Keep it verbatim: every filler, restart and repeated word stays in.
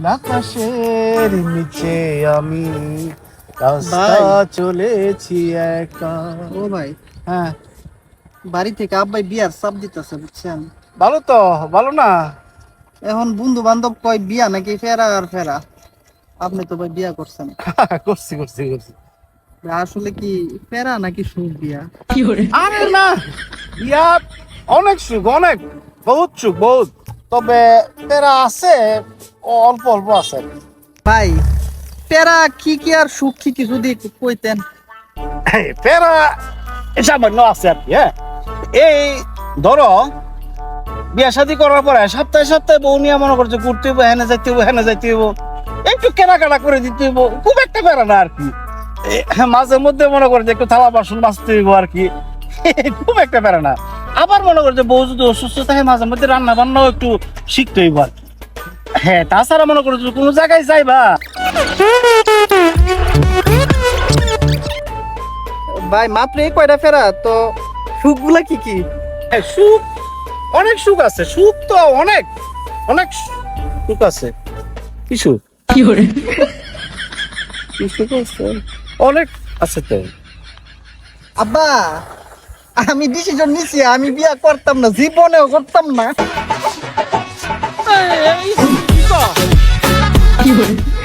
আকাশের নিচে আমি রাস্তা চলেছি একা। ও ভাই, হ্যাঁ, বাড়ি থেকে আব্বাই বিয়ার চাপ দিতেছে বুঝছেন। ভালো তো, ভালো না? এখন বন্ধু বান্ধব কয় বিয়া নাকি ফেরা আর ফেরা। আপনি তো ভাই বিয়া করছেন, করছি করছি করছি। আসলে কি ফেরা নাকি সুখ বিয়া? আরে না, ইয়া অনেক সুখ, অনেক বহুত সুখ, বহুত। তবে তেরা আছে, অল্প অল্প আছে। ভাই ফেরা কি কি আর সুখ কি কি যদি একটু কইতেন। এই তেরা সামান্য আছে আর কি। হ্যাঁ, এই ধরো বিয়া শাদী করার পরে সপ্তাহে সপ্তাহে বউ নিয়ে মনে করছে ঘুরতে হইব, হেনে যাইতে হইব, হেনে যাইতে হইব, একটু কেনাকাটা করে দিতে হইব, খুব একটা বেড়া না আর কি। এ, মাঝে মধ্যে মনে করে যে একটু থালা বাসন মাজতে হইব আর কি, খুব একটা বেড়া না। আবার মনে করে যে বউ যদি অসুস্থ থাকে মাঝে মধ্যে রান্না বান্নাও একটু শিখতে হইব আর কি। হ্যাঁ, তাছাড়া মনে করো কোনো জায়গায় যাইবা। ভাই মাত্র এই কয়টা ফেরা তো, সুখ গুলা কি কি? হ্যাঁ, সুখ অনেক, সুখ আছে, সুখ তো অনেক, অনেক সুখ আছে। কি সুখ? কি সুখ আছে? অনেক আছে তো। আব্বা, আমি ডিসিশন নিছি, আমি বিয়া করতাম না, জীবনেও করতাম না। এই, এই, কি কও?